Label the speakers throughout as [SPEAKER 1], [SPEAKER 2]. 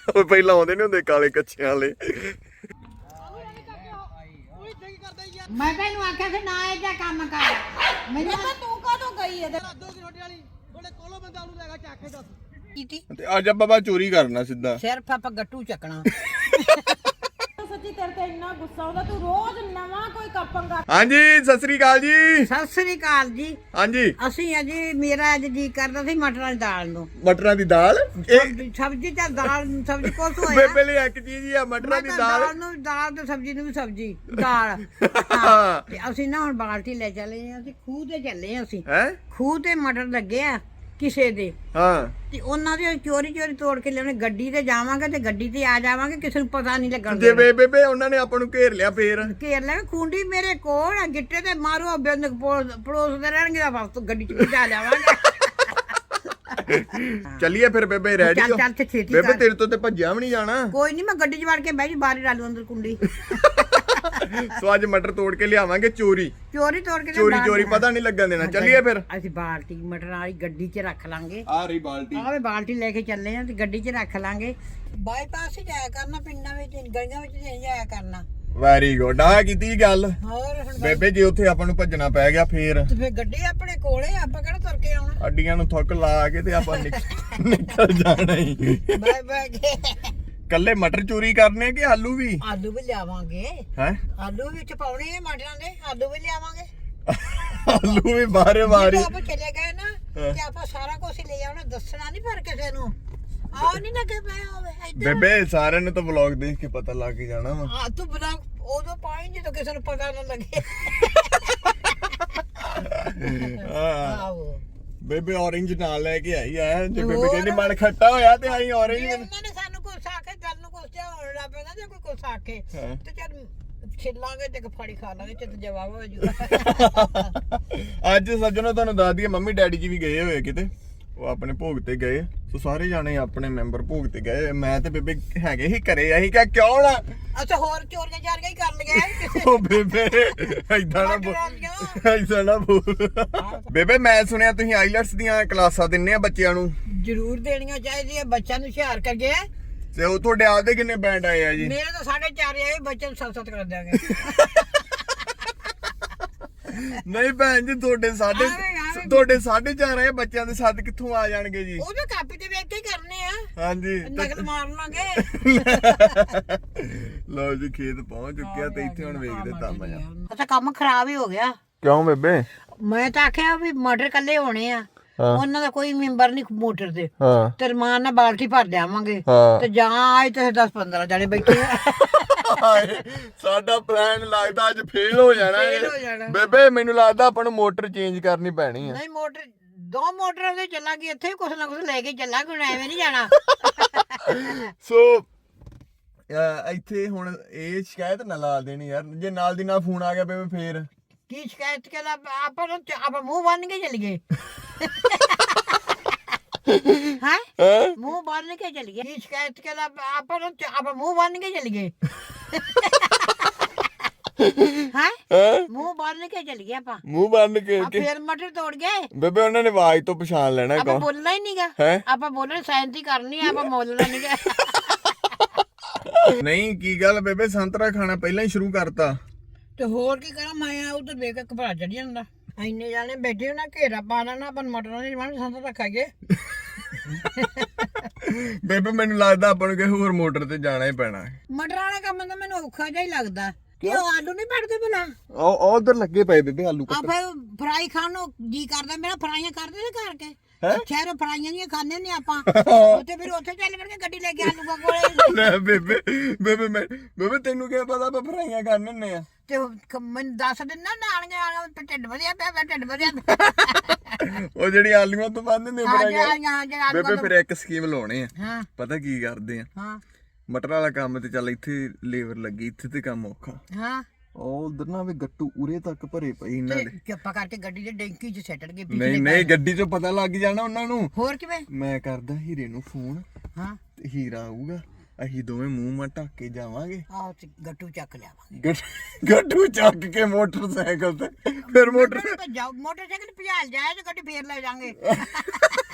[SPEAKER 1] ਉਹ ਪਹਿਲਾਂ ਆਉਂਦੇ ਨਹੀਂ ਹੁੰਦੇ ਕਾਲੇ ਕੱਚਿਆਂ ਵਾਲੇ।
[SPEAKER 2] ਮੈਂ ਤੈਨੂੰ ਆਖਿਆ ਸੀ ਨਾ ਇਹ ਜਿਹਾ ਕੰਮ ਕਰ। ਮੈਨੂੰ
[SPEAKER 3] ਤਾਂ ਤੂੰ ਕਾਹਤੋਂ ਗਈ ਇਹਦੇ
[SPEAKER 4] 2 ਕਿਲੋ ਰੋਟੀ ਵਾਲੀ ਥੋੜੇ ਕੋਲੋਂ ਬੰਦਾ ਉਹਨੂੰ ਲੈਗਾ ਚੱਕ ਕੇ ਦੱਸ
[SPEAKER 3] ਕੀਤੀ
[SPEAKER 1] ਤੇ ਅੱਜ ਬਾਬਾ ਚੋਰੀ ਕਰਨਾ ਸਿੱਧਾ।
[SPEAKER 3] ਸਿਰਫ ਆਪਾਂ ਗੱਟੂ ਚੱਕਣਾ। ਸੱਚੀ ਤੇਰੇ ਤੇ ਇੰਨਾ ਗੁੱਸਾ ਆਉਂਦਾ ਤੂੰ ਰੋਜ਼ ਨਵਾਂ ਕੋਈ ਕੱਪਾਂਗਾ।
[SPEAKER 1] ਹਾਂਜੀ ਸਤਿ ਸ੍ਰੀ ਅਕਾਲ ਜੀ।
[SPEAKER 3] ਸਤਿ ਸ੍ਰੀ ਅਕਾਲ ਜੀ।
[SPEAKER 1] ਹਾਂਜੀ
[SPEAKER 3] ਅਸੀਂ ਅਜੀ ਮੇਰਾ ਅੱਜ ਜੀ ਕਰਦਾ ਸੀ ਮਟਰਾਂ ਦੀ ਦਾਲ ਨੂੰ।
[SPEAKER 1] ਮਟਰਾਂ ਦੀ ਦਾਲ। ਇਹ
[SPEAKER 3] ਸਬਜ਼ੀ ਤਾਂ ਦਾਲ ਸਬਜ਼ੀ ਕੁਛ ਹੋਇਆ।
[SPEAKER 1] ਬੇਬੇ ਲਈ ਇੱਕ ਚੀਜ਼ ਹੀ ਆ ਮਟਰਾਂ ਦੀ ਦਾਲ।
[SPEAKER 3] ਦਾਲ ਤੇ ਸਬਜ਼ੀ ਨੂੰ ਵੀ ਸਬਜ਼ੀ ਦਾਲ। ਹਾਂ ਤੇ ਅਸੀਂ ਨਾ ਹੁਣ ਬਾਲਟੀ ਲੈ ਚੱਲੇ ਆ। ਅਸੀਂ ਖੂਹ ਤੇ ਚੱਲੇ ਆ। ਅਸੀਂ
[SPEAKER 1] ਹੈ
[SPEAKER 3] ਖੂਹ ਤੇ ਮਟਰ ਲੱਗੇ ਆ ਕਿਸੇ ਦੇ।
[SPEAKER 1] ਹਾਂ
[SPEAKER 3] ਤੇ ਉਹਨਾਂ ਦੇ ਚੋਰੀ ਤੋੜ ਕੇ ਲਿਆਉਣੇ। ਗੱਡੀ ਤੇ ਜਾਵਾਂਗੇ ਤੇ ਗੱਡੀ ਤੇ ਆ ਜਾਵਾਂਗੇ, ਕਿਸੇ ਨੂੰ ਪਤਾ ਨਹੀਂ ਲੱਗਣ
[SPEAKER 1] ਜੇ ਬੇਬੇ ਉਹਨਾਂ ਨੇ ਆਪਾਂ ਨੂੰ ਘੇਰ ਲਿਆ ਫੇਰ
[SPEAKER 3] ਘੇਰ ਲੈ। ਖੁੰਡੀ ਮੇਰੇ ਕੋਲ ਆ, ਗਿੱਟੇ ਤੇ ਮਾਰੋ ਬਿੰਦ ਪੜੋਸਦੇ ਰਹਿਣਗੇ ਤਾਂ ਬਸ ਗੱਡੀ ਚ ਪਹੁੰਚਾ ਜਾਵਾਂਗੇ।
[SPEAKER 1] ਚੱਲੀਏ ਫਿਰ ਬੇਬੇ ਰੈਡੀ ਹੋ।
[SPEAKER 3] ਚੱਲ ਤੇ ਛੇਤੀ
[SPEAKER 1] ਬੇਬੇ
[SPEAKER 3] ਕਰ।
[SPEAKER 1] ਤੇਰੇ ਤੋਂ ਤੇ ਭੱਜਿਆ ਵੀ ਨਹੀਂ ਜਾਣਾ।
[SPEAKER 3] ਕੋਈ ਨਹੀਂ, ਮੈਂ ਗੱਡੀ ਚ ਵੜ ਕੇ ਬਹਿ ਜੀ, ਬਾਹਰ ਹੀ ਡਾਲੂ ਅੰਦਰ ਕੁੰਡੀ।
[SPEAKER 1] ਸੋ ਅੱਜ ਮਟਰ ਤੋੜ ਕੇ ਲਿਆਵਾਂਗੇ ਚੋਰੀ
[SPEAKER 3] ਚੋਰੀ ਤੋੜ ਕੇ
[SPEAKER 1] ਚੋਰੀ ਪਤਾ ਨਹੀਂ ਲੱਗਣ ਦੇਣਾ। ਚੱਲੀਏ ਫਿਰ।
[SPEAKER 3] ਅਸੀਂ ਬਾਲਟੀ ਮਟਰਾਂ ਵਾਲੀ ਗੱਡੀ ਚ ਰੱਖ ਲਾਂਗੇ।
[SPEAKER 1] ਆ ਰਹੀ ਬਾਲਟੀ।
[SPEAKER 3] ਆਵੇ ਬਾਲਟੀ ਲੈ ਕੇ ਚੱਲੇ ਆ ਤੇ ਗੱਡੀ ਚ ਰੱਖ ਲਾਂਗੇ। ਬਾਈਪਾਸ ਹੀ ਜਾਇਆ ਕਰਨਾ, ਪਿੰਡਾਂ ਵਿੱਚ ਗਲੀਆਂ ਵਿੱਚ ਨਹੀਂ ਜਾਇਆ ਕਰਨਾ।
[SPEAKER 1] Very good. ਆ ਕੀਤੀ ਗੱਲ
[SPEAKER 3] ਹੋਰ ਹੁਣ
[SPEAKER 1] ਬੇਬੇ, ਜੇ ਉੱਥੇ ਆਪਾਂ ਨੂੰ ਭੱਜਣਾ ਪੈ ਗਿਆ ਫੇਰ
[SPEAKER 3] ਤੇ ਫਿਰ ਗੱਡੀ ਆਪਣੇ ਕੋਲੇ, ਆਪਾਂ ਕਿਹੜਾ ਤੁਰ ਕੇ ਆਉਣਾ।
[SPEAKER 1] ਅੱਡੀਆਂ ਨੂੰ ਥੁੱਕ ਲਾ ਕੇ ਤੇ ਆਪਾਂ ਨਿਕਲ ਜਾਣਾ ਹੀ।
[SPEAKER 3] Bye bye.
[SPEAKER 1] ਕੱਲੇ ਮਟਰ ਚੋਰੀ ਕਰਨੇ ਕਿ ਆਲੂ ਵੀ?
[SPEAKER 3] ਆਲੂ ਵੀ ਲਿਆਵਾਂਗੇ।
[SPEAKER 1] ਹੈ
[SPEAKER 3] ਆਲੂ ਵਿੱਚ ਪਾਉਣੇ ਆ ਮਟਰਾਂ ਦੇ, ਆਲੂ ਵੀ ਲਿਆਵਾਂਗੇ।
[SPEAKER 1] ਆਲੂ ਵੀ ਬਾਰੇ ਬਾਰੇ।
[SPEAKER 3] ਜਦੋਂ ਆਪਾਂ ਚਲੇ ਗਏ ਨਾ ਤੇ ਆਪਾਂ ਸਾਰਾ ਕੁਝ ਲੈ ਆਉਣਾ, ਦੱਸਣਾ ਨਹੀਂ ਪਰ ਕਿਸੇ ਨੂੰ। ਆਹ ਨਹੀਂ ਲੱਗੇ ਪਏ ਹੋਵੇ ਇੱਧਰ।
[SPEAKER 1] ਬੇਬੇ ਸਾਰਿਆਂ ਨੂੰ ਤਾਂ ਵਲੌਗ ਦੇਖ ਕੇ ਪਤਾ ਲੱਗ ਹੀ ਜਾਣਾ ਵਾ।
[SPEAKER 3] ਆ ਤੂੰ ਬਣਾ ਉਦੋਂ ਪਾਈ ਜਦੋਂ ਕਿਸੇ ਨੂੰ ਪਤਾ ਨਾ ਲੱਗੇ। ਆਹੋ
[SPEAKER 1] ਬੇਬੇ orange ਨਾਲ ਲੈ ਕੇ ਆਈ ਆ। ਜੇ ਬੇਬੇ ਕਹਿੰਦੀ ਮਨ ਖੱਟਾ ਹੋਇਆ ਤੇ ਆਈ orange।
[SPEAKER 3] ਉਹਨਾਂ ਨੇ ਸਾਨੂੰ ਕੁਛ ਆਖੇ, ਗੱਲ ਨੂੰ ਕੁਛ ਹੋਣ ਲੱਗ ਪੈਂਦਾ ਜੇ ਕੋਈ ਕੁਛ ਆਖੇ ਤੇ ਚੱਲ ਛਿੱਲਾਂਗੇ ਤੇ ਫੜੀ ਖਾ ਲਾਂਗੇ ਤੇ ਜਵਾਬ ਹੋ ਜਾਊਗਾ।
[SPEAKER 1] ਅੱਜ ਸੱਜਣੋ ਤੁਹਾਨੂੰ ਦੱਸ ਦਈਏ, ਮੰਮੀ ਡੈਡੀ ਜੀ ਵੀ ਗਏ ਹੋਏ ਕਿਤੇ। ਉਹ ਆਪਣੇ ਭੋਗ ਤੇ ਗਏ। ਸੋ ਸਾਰੇ ਜਾਣੇ ਆਪਣੇ ਮੈਂਬਰ ਭੋਗ ਤੇ ਗਏ। ਮੈਂ ਤੇ ਬੇਬੇ ਹੈਗੇ ਹੀ ਘਰੇ। ਅਸੀਂ ਕਿਹਾ ਕਿਉਂ ਨਾ।
[SPEAKER 3] ਅੱਛਾ ਹੋਰ ਚੋਰੀਆਂ ਚਾਰੀਆਂ ਹੀ ਕਰ ਲਈਆਂ।
[SPEAKER 1] ਉਹ ਬੇਬੇ ਏਦਾਂ ਨਾ ਬੋਲ, ਏਦਾਂ ਨਾ ਬੋਲ। ਬੇਬੇ ਮੈਂ ਸੁਣਿਆ ਤੁਸੀਂ ਆਈਲੈਟਸ ਦੀਆਂ ਕਲਾਸਾਂ ਦਿੰਨੇ ਆ ਬੱਚਿਆਂ ਨੂੰ।
[SPEAKER 3] ਜ਼ਰੂਰ ਦੇਣੀਆਂ ਚਾਹੀਦੀਆਂ, ਬੱਚਿਆਂ ਨੂੰ ਹੁਸ਼ਿਆਰ ਕਰੀਏ।
[SPEAKER 1] ਤੇ ਉਹ ਤੁਹਾਡੇ ਆਪਦੇ ਕਿੰਨੇ ਬੈਂਡ ਆਏ ਆ ਜੀ?
[SPEAKER 3] ਮੇਰੇ ਤਾਂ 4.5 ਆਏ, ਬੱਚਿਆਂ ਨੂੰ 7-7 ਕਰ ਦਿਆਂਗੇ।
[SPEAKER 1] ਨਹੀਂ ਭੈਣ ਜੀ, ਤੁਹਾਡੇ 4.5 ਆਏ, ਬੱਚਿਆਂ ਦੇ 7 ਕਿੱਥੋਂ ਆ ਜਾਣਗੇ ਜੀ?
[SPEAKER 3] ਉਹ ਤਾਂ ਕਾਪੀ ਤੇ ਵੇਖ ਕੇ ਹੀ ਕਰਨੇ ਆ।
[SPEAKER 1] ਹਾਂਜੀ
[SPEAKER 3] ਨਕਲ ਮਾਰ ਲਾਂਗੇ।
[SPEAKER 1] ਲਓ ਜੀ, ਖੇਤ ਪਹੁੰਚ ਚੁੱਕਿਆ ਤੇ ਇੱਥੇ ਹੁਣ ਵੇਖਦੇ ਕੰਮ ਆ।
[SPEAKER 3] ਅੱਛਾ ਕੰਮ ਖਰਾਬ ਹੀ ਹੋ ਗਿਆ।
[SPEAKER 1] ਕਿਉਂ ਬੇਬੇ?
[SPEAKER 3] ਮੈਂ ਤਾਂ ਆਖਿਆ ਵੀ ਮਟਰ ਕੱਲੇ ਹੋਣੇ ਆ, ਉਹਨਾਂ ਦਾ ਕੋਈ ਮੈਂਬਰ ਨਹੀਂ ਮੋਟਰ ਤੇ।
[SPEAKER 1] ਹਾਂ
[SPEAKER 3] ਤੇ ਰਮਾਨ ਨਾਲ ਬਾਲਟੀ ਭਰ ਦੇਵਾਂਗੇ
[SPEAKER 1] ਹਾਂ।
[SPEAKER 3] ਤੇ ਜਾਂ ਆਏ ਤੇ 10-15 ਜਣੇ ਬੈਠੇ ਆ।
[SPEAKER 1] ਸਾਡਾ ਪਲਾਨ ਲੱਗਦਾ ਅੱਜ ਫੇਲ ਹੋ ਜਾਣਾ ਬੇਬੇ। ਮੈਨੂੰ ਲੱਗਦਾ ਆਪਾਂ ਨੂੰ ਮੋਟਰ ਚੇਂਜ ਕਰਨੀ ਪੈਣੀ ਆ।
[SPEAKER 3] ਨਹੀਂ ਮੋਟਰ 2 ਮੋਟਰਾਂ ਤੇ ਚੱਲਾਂਗੇ, ਇੱਥੇ ਕੁਛ ਨਾ ਕੁਛ ਲੈ ਕੇ ਚੱਲਾਂਗੇ, ਹੁਣ ਐਵੇਂ ਨਹੀਂ ਜਾਣਾ।
[SPEAKER 1] ਸੋ ਇੱਥੇ ਹੁਣ ਇਹ ਸ਼ਿਕਾਇਤ ਨਾ ਲਾ ਦੇਣੀ ਯਾਰ। ਜੇ ਨਾਲ ਦੀ ਨਾਲ ਫੋਨ ਆ ਗਿਆ ਬੇਬੇ ਫੇਰ
[SPEAKER 3] ਕੀ ਸ਼ਿਕਾਇਤ ਕਰ ਆਪਾਂ ਮੂੰਹ ਬੰਨ ਕੇ ਚੱਲੀਏ। ਹਾਂ ਮੂੰਹ ਬੰਨ ਕੇ ਚੱਲੀਏ। ਕੀ ਸ਼ਿਕਾਇਤ ਕਰ ਆਪਾਂ ਮੂੰਹ ਬੰਨ ਕੇ ਚੱਲੀਏ। ਹਾਂ ਮੂੰਹ ਬੰਨ ਕੇ ਚੱਲੀਏ ਆਪਾਂ।
[SPEAKER 1] ਮੂੰਹ ਬੰਨ ਕੇ
[SPEAKER 3] ਫੇਰ ਮਟਰ ਤੋੜ ਗਏ
[SPEAKER 1] ਬੇਬੇ। ਉਹਨਾਂ ਨੇ ਆਵਾਜ਼ ਤੋਂ ਪਛਾਣ ਲੈਣਾ
[SPEAKER 3] ਆਪਾਂ
[SPEAKER 1] ਕੌਣ।
[SPEAKER 3] ਬੋਲਣਾ ਹੀ ਨਹੀਂਗਾ। ਆਪਾਂ ਬੋਲਣਾ ਸੈਂਤੀ ਕਰਨੀ ਆ, ਆਪਾਂ ਬੋਲਣਾ ਨਹੀਂਗਾ।
[SPEAKER 1] ਨਹੀਂ ਕੀ ਗੱਲ ਬੇਬੇ, ਸੰਤਰਾ ਖਾਣਾ ਪਹਿਲਾਂ ਹੀ ਸ਼ੁਰੂ ਕਰਤਾ?
[SPEAKER 3] ਤੇ ਹੋਰ ਕੀ ਕਰਾਂ, ਮੈਂ ਉਧਰ ਵੇਖ ਕੇ ਘਬਰਾ ਚੜ ਜਾਂਦਾ। ਇੰਨੇ ਜਾਣੇ ਬੈਠੇ ਨਾ, ਘੇਰਾ ਪਾ ਲੈਣਾ ਆਪਾਂ ਮਟਰਾਂ ਦੀ ਵੰਡ ਸੰਤ ਰੱਖਾਂਗੇ।
[SPEAKER 1] ਬੇਬੇ ਮੈਨੂੰ ਲੱਗਦਾ ਆਪਾਂ ਨੂੰ ਕਿਸੇ ਹੋਰ ਮੋਟਰ ਤੇ ਜਾਣਾ ਹੀ ਪੈਣਾ।
[SPEAKER 3] ਮਟਰਾਂ ਵਾਲਾ ਕੰਮ ਤਾਂ ਮੈਨੂੰ ਔਖਾ ਜਿਹਾ ਹੀ ਲੱਗਦਾ। ਕਿ ਉਹ ਆਲੂ ਨਹੀਂ ਪੜਦੇ ਬਣਾ।
[SPEAKER 1] ਉਹ ਉਧਰ ਲੱਗੇ ਪਏ ਬੇਬੇ ਆਲੂ
[SPEAKER 3] ਆ ਫਿਰ ਫਰਾਈ ਖਾਣ ਨੂੰ ਜੀ ਕਰਦਾ ਮੇਰਾ। ਫਰਾਈਆਂ ਕਰਦੇ ਨੇ ਕਰਕੇ ਸ਼ਹਿਰੋਂ ਫਰਾਈਆਂ ਨਹੀਂ ਖਾਂਦੇ ਨੇ ਆਪਾਂ। ਉੱਥੇ ਫਿਰ ਉੱਥੇ ਚੱਲ ਵੜ ਕੇ ਗੱਡੀ ਲੈ ਕੇ ਆਲੂਆਂ ਕੋਲੇ।
[SPEAKER 1] ਲੈ ਬੇਬੇ ਤੈਨੂੰ ਕੀ ਪਤਾ ਆਪਾਂ ਫਰਾਈਆਂ ਕਰਨ ਹੁੰਨੇ ਆ?
[SPEAKER 3] ਤੇ ਮੈਨੂੰ ਦੱਸ ਦਿੰਦਾ ਨਾਲੀਆਂ ਢਿੱਡ ਵਧਿਆ ਪਿਆ, ਢਿੱਡ ਵਧਿਆ।
[SPEAKER 1] ਉਹ ਜਿਹੜੀ ਆਲੂਆਂ ਤੋਂ ਬੰਦ ਨੇ ਫਰਾਈਆਂ। ਬੇਬੇ ਫਿਰ ਇੱਕ ਸਕੀਮ ਲਾਉਣੇ ਆ। ਪਤਾ ਕੀ ਕਰਦੇ ਆ? ਮਟਰ ਵਾਲਾ ਕੰਮ ਤੇ ਚੱਲ ਇੱਥੇ ਲੇਬਰ ਲੱਗੀ, ਇੱਥੇ ਤੇ ਕੰਮ ਔਖਾ। ਉਹ ਉਧਰ ਨਾ ਵੀ ਗੱਟੂ ਉਰੇ ਤੱਕ ਭਰੇ ਪਈ ਇਹਨਾਂ ਦੇ।
[SPEAKER 3] ਚੁੱਪਾ ਕਰਕੇ ਗੱਡੀ ਦੇ ਡੈਂਕੀ 'ਚ ਸੈਟਲ ਗਏ।
[SPEAKER 1] ਨਹੀਂ ਗੱਡੀ 'ਚੋਂ ਪਤਾ ਲੱਗ ਜਾਣਾ ਉਹਨਾਂ ਨੂੰ।
[SPEAKER 3] ਹੋਰ ਕਿਵੇਂ?
[SPEAKER 1] ਮੈਂ ਕਰਦਾ ਹੀਰੇ ਨੂੰ ਫੋਨ। ਤੇ ਹੀਰਾ ਆਊਗਾ, ਅਸੀਂ ਦੋਵੇਂ ਮੂੰਹ ਮਾ ਢੱਕ ਕੇ ਜਾਵਾਂਗੇ।
[SPEAKER 3] ਆਹ ਗੱਟੂ ਚੱਕ ਲਿਆਵਾਂਗੇ।
[SPEAKER 1] ਗੱਟੂ ਚੱਕ ਕੇ ਮੋਟਰਸਾਈਕਲ ਤੇ ਫਿਰ ਮੋਟਰਸਾਈਕਲ
[SPEAKER 3] ਮੋਟਰਸਾਈਕਲ ਭਜਾਲ ਜਾਏ ਤੇ ਗੱਡੀ ਫੇਰ ਲੈ ਜਾਾਂਗੇ।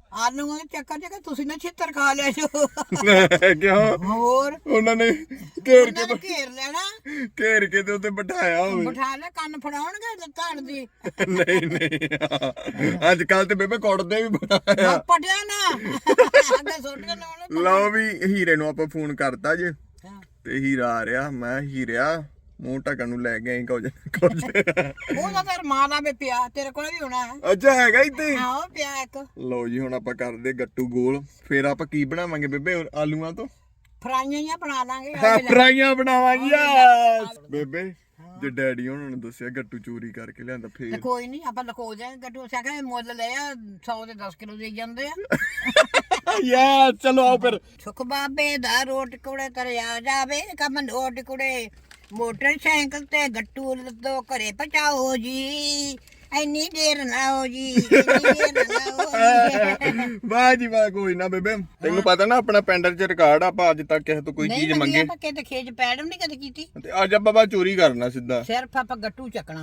[SPEAKER 3] ਆਲੂਆਂ ਦੇ ਚੱਕਰ ਚ ਤੁਸੀਂ ਨਾ ਛਿੱਤਰ ਖਾ ਲਿਆ ਜੋ
[SPEAKER 1] ਕਿਉਂ
[SPEAKER 3] ਹੋਰ
[SPEAKER 1] ਉਹਨਾਂ ਨੇ ਘੇਰ
[SPEAKER 3] ਉਹਨਾਂ ਨੇ ਘੇਰ ਲੈਣਾ
[SPEAKER 1] ਘੇਰ ਕੇ ਤੇ ਉੱਤੇ ਬਿਠਾਇਆ ਹੋਵੇ
[SPEAKER 3] ਬਿਠਾ ਲੈ ਕੰਨ ਫੜਾਉਣਗੇ ਧੜ ਦੀ
[SPEAKER 1] ਨਹੀਂ ਨਹੀਂ ਅੱਜ ਕੱਲ ਤੇ ਬੇਬੇ ਕੁੱਟਦੇ ਵੀ ਬੜਾ
[SPEAKER 3] ਪਟਿਆ ਨਾ ਅੱਗੇ ਸੁੱਟ ਕੇ ਲਾਉਣੇ
[SPEAKER 1] ਲਓ ਵੀ ਹੀਰੇ ਨੂੰ ਆਪਾਂ ਫੋਨ ਕਰਤਾ ਜੇ ਤੇ ਹੀਰਾ ਆ ਰਿਹਾ ਮੈਂ ਹੀਰਿਆ ਮੂੰਹ ਢੱਕਣ ਨੂੰ ਲੈ ਕੇ ਆਈ ਕੁਝ
[SPEAKER 3] ਉਹਦਾ ਤਾਂ ਮਾਂ ਦਾ ਵੀ ਪਿਆ ਤੇਰੇ ਕੋਲ ਵੀ ਹੋਣਾ
[SPEAKER 1] ਅੱਛਾ ਹੈਗਾ ਇੱਥੇ
[SPEAKER 3] ਆਹੋ ਪਿਆ ਇੱਕ
[SPEAKER 1] ਲਓ ਜੀ ਹੁਣ ਆਪਾਂ ਕਰਦੇ ਗੱਟੂ ਗੋਲ ਫਿਰ ਆਪਾਂ ਕੀ ਬਣਾਵਾਂਗੇ ਬੇਬੇ ਆਲੂਆਂ ਤੋਂ
[SPEAKER 3] ਫਰਾਈਆਂ ਹੀ ਬਣਾ ਲਾਂਗੇ
[SPEAKER 1] ਫਰਾਈਆਂ ਬਣਾਵਾਂਗੇ ਬੇਬੇ ਜੇ ਡੈਡੀ ਉਹਨਾਂ ਨੂੰ ਦੱਸਿਆ ਗੱਟੂ ਚੋਰੀ ਕਰਕੇ ਲਿਆਂਦਾ
[SPEAKER 3] ਤੇ
[SPEAKER 1] ਫੇਰ
[SPEAKER 3] ਕੋਈ ਨਹੀਂ ਆਪਾਂ ਲਕੋ ਜਾਏ ਗੱਟੂ ਸਿਆਖੇ ਮੁੱਲ ਲੈ ਆ 100 ਦੇ 10 ਕਿਲੋ ਦੇ ਜਾਂਦੇ ਆ
[SPEAKER 1] ਯਾ ਚਲੋ ਆਓ ਫਿਰ
[SPEAKER 3] ਸੁਖ ਬਾਬੇ ਦਾ ਰੋਟ ਕੁੜੇ ਤਰਿਆ ਜਾਵੇ ਕੰਮ ਨੋਟ ਕੁੜੇ ਮੋਟਰਸਾਈਕਲ ਤੇ ਗੱਟੂ ਲੱਦੋ ਘਰੇ ਪਹੁੰਚਾਓ ਜੀ ਇੰਨੀ ਦੇਰ ਨਾ ਹੋ ਜੀ ਇੰਨੀ ਦੇਰ ਨਾ ਹੋ ਜੀ
[SPEAKER 1] ਵਾਹ ਜੀ ਵਾਹ ਕੋਈ ਨਾ ਬੇਬੇ ਤੈਨੂੰ ਪਤਾ ਨਾ ਆਪਣਾ ਪੈਂਡਰ ਚ ਰਿਕਾਰਡ ਆਪਾਂ ਅੱਜ ਤੱਕ ਕਿਸੇ ਤੋਂ ਕੋਈ ਚੀਜ਼
[SPEAKER 3] ਨਹੀਂ
[SPEAKER 1] ਮੰਗੇ
[SPEAKER 3] ਆਪਾਂ ਕਿਤੇ ਖੇਜ ਪੈੜਮ ਨਹੀਂ ਕਦੇ ਕੀਤੀ
[SPEAKER 1] ਤੇ ਅੱਜ ਆਪਾਂ ਚੋਰੀ ਕਰਨਾ ਸਿੱਧਾ
[SPEAKER 3] ਸਿਰਫ ਆਪਾਂ ਗੱਟੂ ਚੱਕਣਾ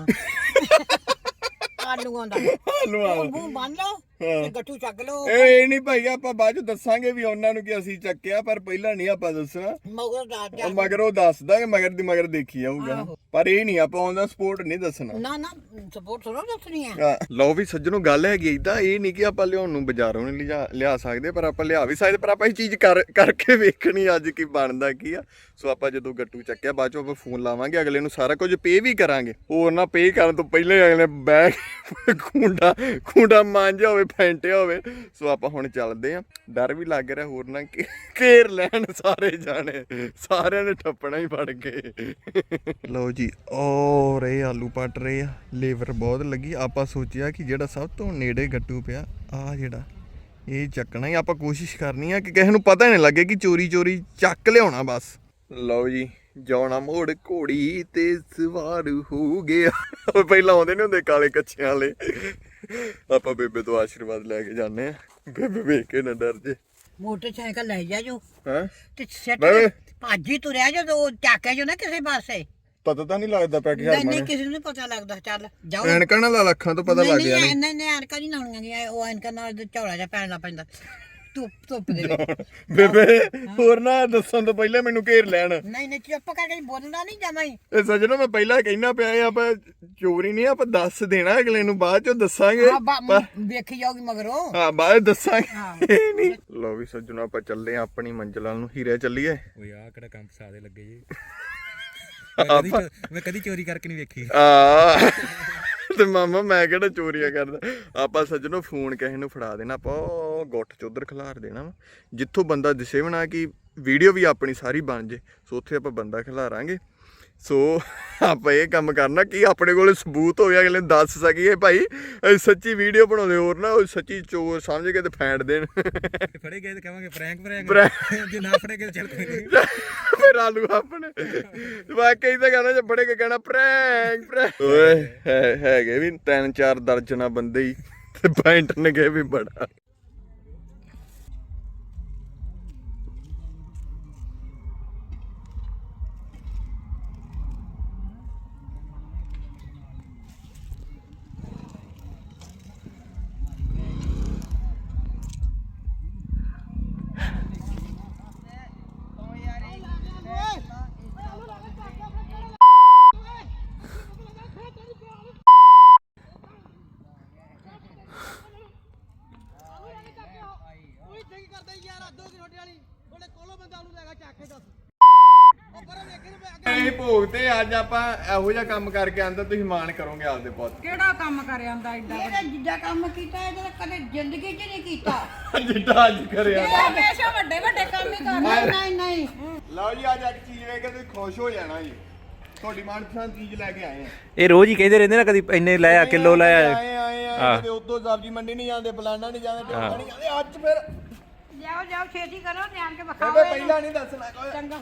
[SPEAKER 3] ਆਲੂਆਂ ਦਾ
[SPEAKER 1] ਆਲੂਆਂ
[SPEAKER 3] ਮੂੰਹ ਬੰਨ ਲਓ ਤੇ ਗੱਟੂ ਚੱਕ ਲਓ
[SPEAKER 1] ਇਹ ਨਹੀਂ ਭਾਈ ਆਪਾਂ ਬਾਅਦ ਚ ਦੱਸਾਂਗੇ ਵੀ ਉਹਨਾਂ ਨੂੰ ਕਿ ਅਸੀਂ ਚੱਕਿਆ ਪਰ ਪਹਿਲਾਂ ਨਹੀਂ ਆਪਾਂ ਦੱਸਣਾ
[SPEAKER 3] ਮਗਰ ਦਾ
[SPEAKER 1] ਉਹ ਮਗਰ ਉਹ ਦੱਸਦਾ ਕਿ ਮਗਰ ਦੀ ਮਗਰ ਦੇਖੀ ਜਾਊਗਾ ਪਰ ਇਹ ਨਹੀਂ ਆਪਾਂ ਉਹਦਾ ਸਪੋਰਟ ਨਹੀਂ ਦੱਸਣਾ
[SPEAKER 3] ਨਾ ਨਾ ਸਪੋਰਟ ਥੋੜਾ ਦੱਸਣੀ ਆ
[SPEAKER 1] ਹਾਂ, ਲਓ ਵੀ ਸੱਜਣੋ ਗੱਲ ਹੈਗੀ ਇਦਾਂ ਇਹ ਨਹੀਂ ਕਿ ਆਪਾਂ ਲਿਆਉਣ ਨੂੰ ਬਾਜ਼ਾਰੋਂ ਨਹੀਂ ਲਿਆ ਸਕਦੇ ਪਰ ਆਪਾਂ ਲਿਆ ਵੀ ਸਕਦੇ ਪਰ ਆਪਾਂ ਇਹ ਚੀਜ਼ ਕਰਕੇ ਵੇਖਣੀ ਅੱਜ ਕੀ ਬਣਦਾ ਕੀ ਆ ਸੋ ਆਪਾਂ ਜਦੋਂ ਗੱਟੂ ਚੱਕਿਆ ਬਾਅਦ ਚੋਂ ਆਪਾਂ ਫੋਨ ਲਾਵਾਂਗੇ ਅਗਲੇ ਨੂੰ ਸਾਰਾ ਕੁਝ ਪੇ ਵੀ ਕਰਾਂਗੇ ਹੋਰ ਨਾ ਪੇ ਕਰਨ ਤੋਂ ਪਹਿਲਾਂ ਹੀ ਅਗਲੇ ਬੈਗ ਖੁੰਡਾ ਮਾਂਜਿਆ ਹੋਵੇ ਫੈਂਟਿਆ ਹੋਵੇ ਸੋ ਆਪਾਂ ਹੁਣ ਚੱਲਦੇ ਆ ਡਰ ਵੀ ਲੱਗ ਰਿਹਾ ਹੋਰ ਨਾ ਘੇਰ ਲੈਣ ਸਾਰੇ ਜਾਣੇ ਸਾਰਿਆਂ ਨੇ ਠੱਪਣਾ ਹੀ ਫੜ ਗਏ ਲਓ ਜੀ ਔਰ ਇਹ ਆਲੂ ਪੱਟ ਰਹੇ ਆ ਲੇਬਰ ਬਹੁਤ ਲੱਗੀ ਆਪਾਂ ਸੋਚਿਆ ਕਿ ਜਿਹੜਾ ਸਭ ਤੋਂ ਨੇੜੇ ਗੱਟੂ ਪਿਆ ਆ ਜਿਹੜਾ ਇਹ ਚੱਕਣਾ ਹੀ ਆਪਾਂ ਕੋਸ਼ਿਸ਼ ਕਰਨੀ ਆ ਕਿ ਕਿਸੇ ਨੂੰ ਪਤਾ ਨਹੀਂ ਲੱਗੇ ਕਿ ਚੋਰੀ ਚੱਕ ਲਿਆਉਣਾ ਬਸ ਲਓ ਜੀ ਜਾਉਣਾ ਮੋੜ ਘੋੜੀ ਤੇ ਸਵਾਰ ਹੋ ਗਿਆ ਪਹਿਲਾਂ ਆਉਂਦੇ ਨਹੀਂ ਹੁੰਦੇ ਕਾਲੇ ਕੱਛਿਆਂ ਵਾਲੇ ਆਪਾਂ ਬੇਬੇ ਤੋਂ ਆਸ਼ੀਰਵਾਦ ਲੈ ਕੇ ਜਾਂਦੇ ਆ ਬੇਬੇ ਵੇਖ ਕੇ ਨਾ ਡਰ ਜੇ
[SPEAKER 3] ਮੋਟਰਸਾਈਕਲ ਲੈ ਜਾ ਜੋ
[SPEAKER 1] ਹਾਂ
[SPEAKER 3] ਤੇ ਸੈੱਟ ਭਾਜੀ ਤੁਰਿਆ ਜੋ ਚੱਕਿਆ ਜੋ ਨਾ ਕਿਸੇ ਪਾਸੇ
[SPEAKER 1] ਪਤਾ ਤਾਂ ਨਹੀਂ ਲੱਗਦਾ ਪਿਆ ਕਿ
[SPEAKER 3] ਨਹੀਂ ਕਿਸੇ ਨੂੰ ਨਹੀਂ ਪਤਾ ਲੱਗਦਾ ਚੱਲ ਜਾਓ
[SPEAKER 1] ਐਨਕਾਂ ਨਾਲ ਲੱਖਾਂ ਤੋਂ ਪਤਾ ਲੱਗ ਗਿਆ
[SPEAKER 3] ਨਹੀਂ ਨਹੀਂ ਐਨਕਾਂ ਨਹੀਂ ਲਾਉਣੀਆਂ ਉਹ ਐਨਕਾਂ ਨਾਲ ਝੋਲਾ ਜਿਹਾ ਪੈਣਾ ਪੈਂਦਾ ਧੁੱਪ ਦੇ ਵਿੱਚ
[SPEAKER 1] ਬੇਬੇ ਹੋਰ ਨਾ ਦੱਸਣ ਤੋਂ ਪਹਿਲਾਂ ਮੈਨੂੰ ਘੇਰ ਲੈਣ
[SPEAKER 3] ਨਹੀਂ ਚੁੱਪ ਕਰਕੇ ਬੋਲਣਾ ਨਹੀਂ ਜਮਾ ਹੀ
[SPEAKER 1] ਇਹ ਸੱਜਣੋ ਮੈਂ ਪਹਿਲਾਂ ਕਹਿਣਾ ਪਿਆ ਆਪਾਂ ਚੋਰੀ ਨਹੀਂ ਆਪਾਂ ਦੱਸ ਦੇਣਾ ਅਗਲੇ ਨੂੰ ਬਾਅਦ ਚੋਂ ਦੱਸਾਂਗੇ
[SPEAKER 3] ਵੇਖੀ ਜਾਊਗੀ ਮਗਰੋਂ
[SPEAKER 1] ਹਾਂ ਬਾਅਦ ਦੱਸਾਂਗੇ ਨਹੀਂ ਲੋ ਵੀ ਸੱਜਣੋ ਆਪਾਂ ਚੱਲੇ ਆ ਆਪਣੀ ਮੰਜ਼ਿਲ ਨੂੰ ਹੀਰੇ ਚੱਲੀਏ
[SPEAKER 5] ਓਏ ਆ ਕਿਹੜਾ ਕੰਮ ਫਸਾਦੇ ਲੱਗੇ ਜੀ ਮੈਂ ਕਦੀ ਚੋਰੀ ਕਰਕੇ ਨਹੀਂ ਵੇਖੀ
[SPEAKER 1] ਆ ਤੇ ਮਾਮਾ ਮੈਂ ਕਿਹੜਾ ਚੋਰੀਆਂ ਕਰਦਾ ਆਪਾਂ ਸੱਜਣੋ ਫੋਨ ਕਿਸੇ ਨੂੰ ਫੜਾ ਦੇਣਾ ਆਪਾਂ ਗੁੱਟ ਚ ਉਧਰ ਖਿਲਾਰ ਦੇਣਾ ਵਾ ਜਿੱਥੋਂ ਬੰਦਾ ਦਿਸੇ ਬਣਾ ਕਿ ਵੀਡੀਓ ਵੀ ਆਪਣੀ ਸਾਰੀ ਬਣ ਜੇ ਸੋ ਉੱਥੇ ਆਪਾਂ ਬੰਦਾ ਖਿਲਾਰਾਂਗੇ ਸੋ ਆਪਾਂ ਇਹ ਕੰਮ ਕਰਨਾ ਕਿ ਆਪਣੇ ਕੋਲ ਸਬੂਤ ਹੋਵੇ ਅਗਲੇ ਦੱਸ ਸਕੀਏ ਭਾਈ ਅਸੀਂ ਸੱਚੀ ਵੀਡੀਓ ਬਣਾਉਂਦੇ ਹੋਰ ਨਾ ਸੱਚੀ ਚੋਰ ਸਮਝ ਕੇ ਤੇ ਫੈਂਟ ਦੇਣ
[SPEAKER 5] ਫੜੇ ਗਏ ਤੇ ਕਹਾਂਗੇ ਪ੍ਰੈਂਕ ਜੇ ਨਾ ਫੜੇ ਗਏ ਚੱਲ ਕੋਈ ਨਹੀਂ
[SPEAKER 1] ਫਿਰ ਆਲੂ ਆਪਣੇ ਵਾਕਈ ਤਾਂ ਕਹਿੰਦਾ ਜੇ ਫੜੇ ਕੇ ਕਹਿਣਾ ਪ੍ਰੈਂਕ ਓਏ ਹੈਗੇ ਵੀ 3-4 ਦਰਜਨਾਂ ਬੰਦੇ ਹੀ ਤੇ ਫੈਂਟ ਨੇ ਗਏ ਵੀ ਬੜਾ ਇਹ ਭੋਗ ਤੇ ਅੱਜ ਆਪਾਂ ਇਹੋ ਜਿਹਾ ਕੰਮ ਕਰਕੇ ਆਂਦਾ ਤੁਸੀਂ ਮਾਣ ਕਰੋਗੇ ਆਪਦੇ ਪੁੱਤ
[SPEAKER 2] ਕਿਹੜਾ ਕੰਮ ਕਰ ਆਂਦਾ ਐਡਾ
[SPEAKER 3] ਇਹਦਾ ਜਿੱਦਾਂ ਕੰਮ ਕੀਤਾ ਇਹਦਾ ਕਦੇ ਜ਼ਿੰਦਗੀ 'ਚ ਨਹੀਂ ਕੀਤਾ
[SPEAKER 1] ਜਿੱਦਾਂ ਅੱਜ ਕਰਿਆ
[SPEAKER 2] ਇਹ ਹਮੇਸ਼ਾ ਵੱਡੇ ਕੰਮ ਹੀ ਕਰਦਾ
[SPEAKER 3] ਨਹੀਂ
[SPEAKER 1] ਲਓ ਜੀ ਅੱਜ ਇੱਕ ਚੀਜ਼ ਵੇਖ ਕੇ ਤੁਸੀਂ ਖੁਸ਼ ਹੋ ਜਾਣਾ ਜੀ ਤੁਹਾਡੀ ਮਨਪਸੰਦ ਚੀਜ਼ ਲੈ ਕੇ ਆਏ ਆ
[SPEAKER 5] ਇਹ ਰੋਜ਼ ਹੀ ਕਹਿੰਦੇ ਰਹਿੰਦੇ ਨਾ ਕਦੀ ਇੰਨੇ ਲਾਇਆ ਕਿਲੋ ਲਾਇਆ
[SPEAKER 1] ਆਏ ਕਦੇ ਉਦੋਂ ਸਬਜ਼ੀ ਮੰਡੀ ਨਹੀਂ ਜਾਂਦੇ ਫਲਾਣਾ ਨਹੀਂ ਜਾਂਦੇ ਟੋਕਾ ਨਹੀਂ ਜਾਂਦੇ ਅੱਜ ਫਿਰ
[SPEAKER 3] ਜਾਓ ਛੇਤੀ ਕਰੋ ਨਿਆਣ ਕੇ
[SPEAKER 1] ਬੇਬੇ ਪਹਿਲਾਂ ਨਹੀਂ ਦੱਸਣਾ ਕੋਈ
[SPEAKER 3] ਚੰਗਾ